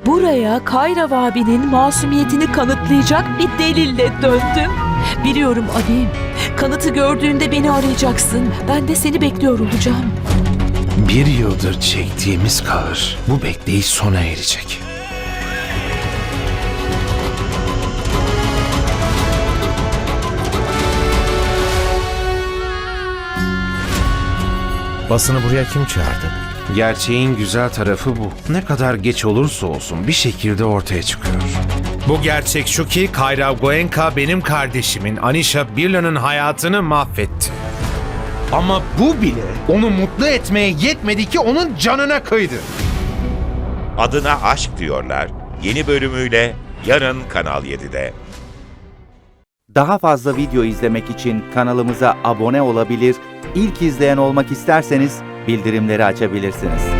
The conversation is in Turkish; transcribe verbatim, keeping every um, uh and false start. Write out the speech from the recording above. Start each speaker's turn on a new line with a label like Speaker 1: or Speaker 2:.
Speaker 1: Buraya Kayrav abinin masumiyetini kanıtlayacak bir delille döndüm. Biliyorum Avim. Kanıtı gördüğünde beni arayacaksın. Ben de seni bekliyor olacağım.
Speaker 2: Bir yıldır çektiğimiz kahır bu bekleyiş sona erecek.
Speaker 3: Basını buraya kim çağırdı?
Speaker 2: Gerçeğin güzel tarafı bu. Ne kadar geç olursa olsun bir şekilde ortaya çıkıyor.
Speaker 3: Bu gerçek şu ki Kayrav Goenka benim kardeşimin Anisha Birla'nın hayatını mahvetti.
Speaker 2: Ama bu bile onu mutlu etmeye yetmedi ki onun canına kıydı.
Speaker 4: Adına Aşk Diyorlar yeni bölümüyle yarın Kanal yedide.
Speaker 5: Daha fazla video izlemek için kanalımıza abone olabilir, ilk izleyen olmak isterseniz bildirimleri açabilirsiniz.